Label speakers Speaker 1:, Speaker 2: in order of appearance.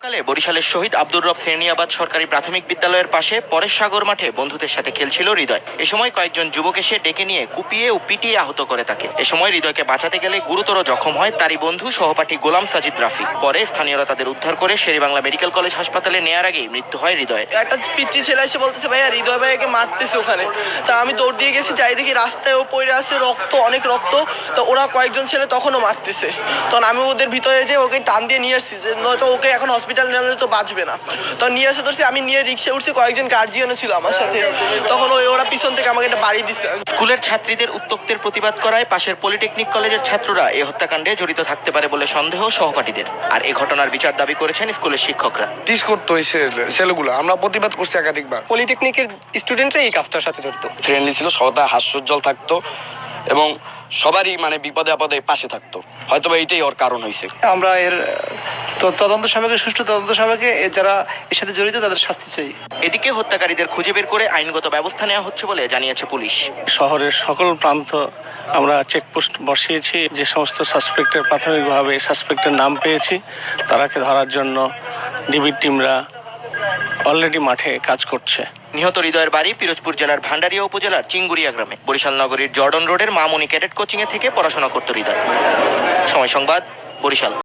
Speaker 1: সকালে বরিশালের শহীদ আব্দুর রব শ্রেণিয়াবাদ সরকারি প্রাথমিক বিদ্যালয়ের পাশে পরেশ সাগর মাঠে বন্ধুদের সাথে খেলছিল হৃদয়। এ সময় কয়েকজন যুবক এসে ডেকে নিয়ে কুপিয়ে ও পিটিয়ে আহত করে তাকে। এ সময় হৃদয়কে বাঁচাতে গেলে গুরুতর জখম হয় তারই বন্ধু সহপাঠী গোলাম সাজিদ রাফি। পরে স্থানীয়রা তাদের উদ্ধার করে শেরেবাংলা মেডিকেল কলেজ হাসপাতালে নেয়ার আগেই মৃত্যু হয় হৃদয়।
Speaker 2: একটা পিচ্চি ছেলে এসে বলতেছে ভাইয়া হৃদয় ভাইয়াকে মারতেছে ওখানে। তা আমি দৌড় দিয়ে গেছি, যাই দেখি রাস্তায় ও পড়ে আছে, রক্ত, অনেক রক্ত। তো ওরা কয়েকজন ছেলে তখনও মারতেছে। তখন আমি ওদের ভিতরে যে ওকে টান দিয়ে নিয়ে আসছি, যে নয়তো ওকে এখন হসপিটাল নিয়ে তো বাঁচবে না। তখন নিয়ে আসে ধরছি, আমি নিয়ে রিক্সা উঠছি, কয়েকজন গার্জিয়ানও ছিল আমার সাথে। তখন ওরা পিছন থেকে আমাকে একটা বাড়ি দিচ্ছে।
Speaker 1: স্কুলের ছাত্রীদের উত্ত্যক্তের প্রতিবাদ করায় পাশের পলিটেকনিক কলেজের ছাত্ররা এ হত্যাকাণ্ডে জড়িত থাকতে পারে বলে সন্দেহ সহপাঠীদের। আর এ ঘটনার বিচার দাবি করেছেন স্কুলের শিক্ষকরা।
Speaker 3: টিস করতো এই ছেলেগুলো, আমরা প্রতিবাদ করছি একাধিকবার।
Speaker 4: পলিটেকনিকের স্টুডেন্টরা এই কাজটার সাথে জড়িত।
Speaker 5: ফ্রেন্ডলি ছিল, সবাই হাস্যোজ্জ্বল থাকতো এবং সবারই বিপদে আপদে পাশে থাকতো। হয়তো এইটাই ওর কারণ হয়েছে।
Speaker 6: আমরা এর তদন্ত সাপেক্ষে, সুষ্ঠু তদন্ত সাপেক্ষে যারা এর সাথে জড়িত তাদের শাস্তি চাই।
Speaker 1: এদিকে হত্যাকারীদের খুঁজে বের করে আইনগত ব্যবস্থা নেওয়া হচ্ছে বলে জানিয়েছে পুলিশ।
Speaker 7: শহরের সকল প্রান্ত আমরা চেকপোস্ট বসিয়েছি। যে সমস্ত সাসপেক্টের প্রাথমিকভাবে সাসপেক্টের নাম পেয়েছি, তারাকে ধরার জন্য ডিবির টিমরা অলরেডি মাঠে কাজ করছে।
Speaker 1: নিহত হৃদয়ের বাড়ি পিরোজপুর জেলার ভান্ডারিয়া উপজেলার চিঙ্গুরিয়া গ্রামে। বরিশাল নগরীর জর্ডন রোডের মামুনি ক্যাডেট কোচিংয়ে থেকে পড়াশোনা করত হৃদয়। সময় সংবাদ, বরিশাল।